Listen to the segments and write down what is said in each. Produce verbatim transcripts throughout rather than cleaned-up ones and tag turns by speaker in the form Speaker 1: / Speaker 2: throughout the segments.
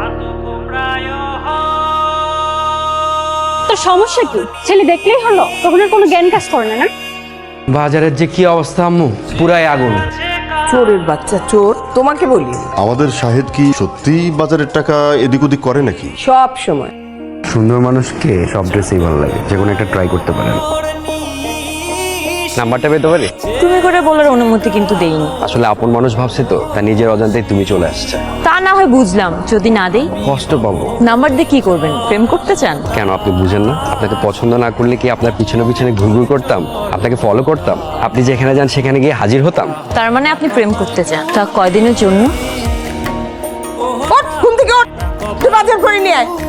Speaker 1: তোর সমস্যা কি? ছেলে দেখলেই হলো, তখন আর কোনো জ্ঞান কাজ করে না না?
Speaker 2: বাজারের যে কি অবস্থা আম্মু, পুরাই আগুন।
Speaker 3: চোরের বাচ্চা চোর, তোমাকে বলি
Speaker 4: আমাদের শাহেদ কি সত্যিই বাজারের টাকা এদিক ওদিক করে নাকি?
Speaker 3: সব সময়।
Speaker 2: সুন্দর মানুষকে সব ড্রেসেই ভালো লাগে, যে কোনো একটা ট্রাই করতে পারেন। নাম্বারটা পেতে পারি?
Speaker 5: তুমি করে বলার অনুমতি কিন্তু দেইনি।
Speaker 2: আসলে আপন মানুষ ভাবছে তো, তা নিজের অজান্তেই তুমি চলে আসছে।
Speaker 5: তা না হয় বুঝলাম, যদি না দেই
Speaker 2: কষ্ট পাবো।
Speaker 5: নাম্বার দিয়ে কি করবেন? প্রেম করতে চান?
Speaker 2: কেন আপনি বুঝেন না? আপনাকে পছন্দ না করলে কি আপনার পিছনে পিছনে ঘুরঘুর করতাম? আপনাকে ফলো করতাম? আপনি যেখানে যান সেখানে গিয়ে হাজির হতাম?
Speaker 5: তার মানে আপনি প্রেম করতে চান? তা কয়দিনের জন্য?
Speaker 3: ওঠ, ঘুম থেকে ওঠ, তুই বাজার করে নিয়ে আয়।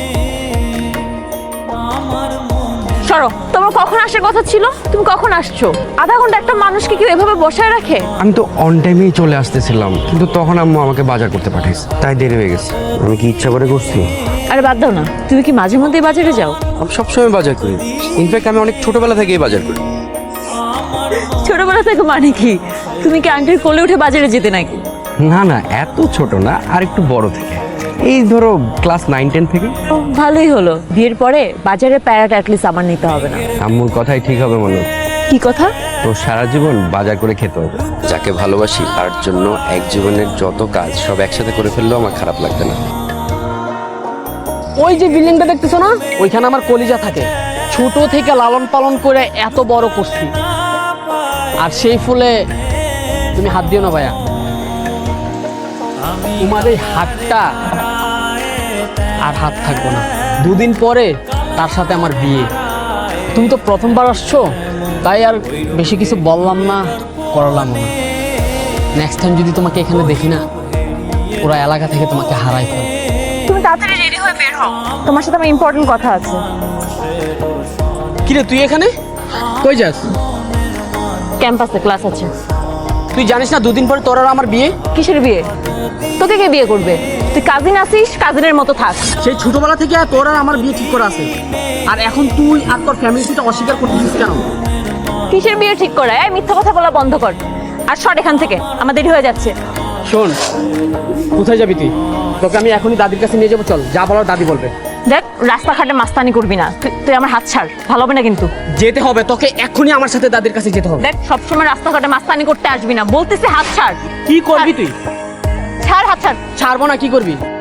Speaker 5: সরো, তোমার কখন আসার কথা ছিল? তুমি কখন আসছো? আধা ঘন্টা একটা মানুষকে কেউ এভাবে বসায় রাখে?
Speaker 2: আমি তো অন টাইমেই চলে আসতেছিলাম, কিন্তু তখন আম্মু আমাকে বাজার করতে পাঠাইছে, তাই দেরি হয়ে গেছে। আমি কি ইচ্ছা করে করছি?
Speaker 5: আরে বাদ দাও না, তুমি কি মাঝে মধ্যেই বাজারে যাও?
Speaker 2: আমি সবসময় বাজার করি, ইনফ্যাক্ট আমি অনেক ছোটবেলা থেকেই বাজার করি।
Speaker 5: ছোটবেলা থেকে মানে কি? তুমি কি আন্টির কোলে উঠে বাজারে যেতে নাকি?
Speaker 2: না না, এত ছোট না, আর একটু বড় থেকে, এই ধরো ক্লাস নাইন টেন থেকে।
Speaker 5: ও, ভালোই হলো, বিয়ের পরে বাজারে প্যারাটা অ্যাটলিস্ট আমার নিতে হবে না।
Speaker 2: আম্মুর কথাই ঠিক হবে মনে।
Speaker 5: কি কথা?
Speaker 2: তো সারা জীবন বাজার করে খেতে হবে। যাকে ভালোবাসি তার জন্য এক জীবনের যত কাজ সব একসাথে করে ফেললেও আমার খারাপ লাগবে না।
Speaker 6: ওই যে বিল্ডিংটা দেখতেছো না, ওইখানে আমার কলিজা থাকে। ছোট থেকে লালন পালন করে এত বড় করছি, আর সেই ফুলে তুমি হাত দিও না ভাইয়া। তোমার এই হাতটা আর হাত থাকবো না। দুদিন পরে তার সাথে আমার বিয়ে। তুমি তো প্রথমবার আসছো, তাই আর বেশি কিছু বললাম না, করলাম না। নেক্সট টাইম যদি তোমাকে এখানে দেখি না, পুরো এলাকা থেকে তোমাকে হারাই ফেল।
Speaker 5: তুমি তাড়াতাড়ি রেডি হয়ে বের হও, তোমার সাথে আমার ইম্পর্টেন্ট কথা আছে।
Speaker 6: কিরে তুই এখানে কই যাস?
Speaker 5: ক্যাম্পাসে ক্লাস আছে।
Speaker 6: তুই জানিস না দুদিন পরে তোর আর আমার বিয়ে?
Speaker 5: কিসের বিয়ে? তোকে কে বিয়ে করবে? তুই কাজিন আসিস, কাজিনের মতো থাক।
Speaker 6: সেই ছোটবেলা থেকে তোর আর আমার বিয়ে ঠিক করা আছে, আর এখন তুই আর তোর ফ্যামিলি সেটা অস্বীকার করতেছিস কেন?
Speaker 5: কিসের বিয়ে ঠিক করা? এই মিথ্যা কথা বলা বন্ধ কর, আর সর এখান থেকে, আমার দেরি হয়ে যাচ্ছে।
Speaker 6: শোন, কোথায় যাবি তুই? তোকে আমি এখনই দাদির কাছে নিয়ে যাবো, চল, যা বলার দাদি বলবে।
Speaker 5: দেখ, রাস্তাঘাটে মাস্তানি করবি না, তুই তুই আমার হাত ছাড়, ভালো হবে না কিন্তু।
Speaker 6: যেতে হবে তোকে, এক্ষুনি আমার সাথে দাদির কাছে যেতে হবে।
Speaker 5: দেখ, সবসময় রাস্তাঘাটে মাস্তানি করতে আসবি না, বলতেছি হাত ছাড়।
Speaker 6: কি করবি তুই?
Speaker 5: ছাড়, হাত ছাড়।
Speaker 6: ছাড়বো না, কি করবি?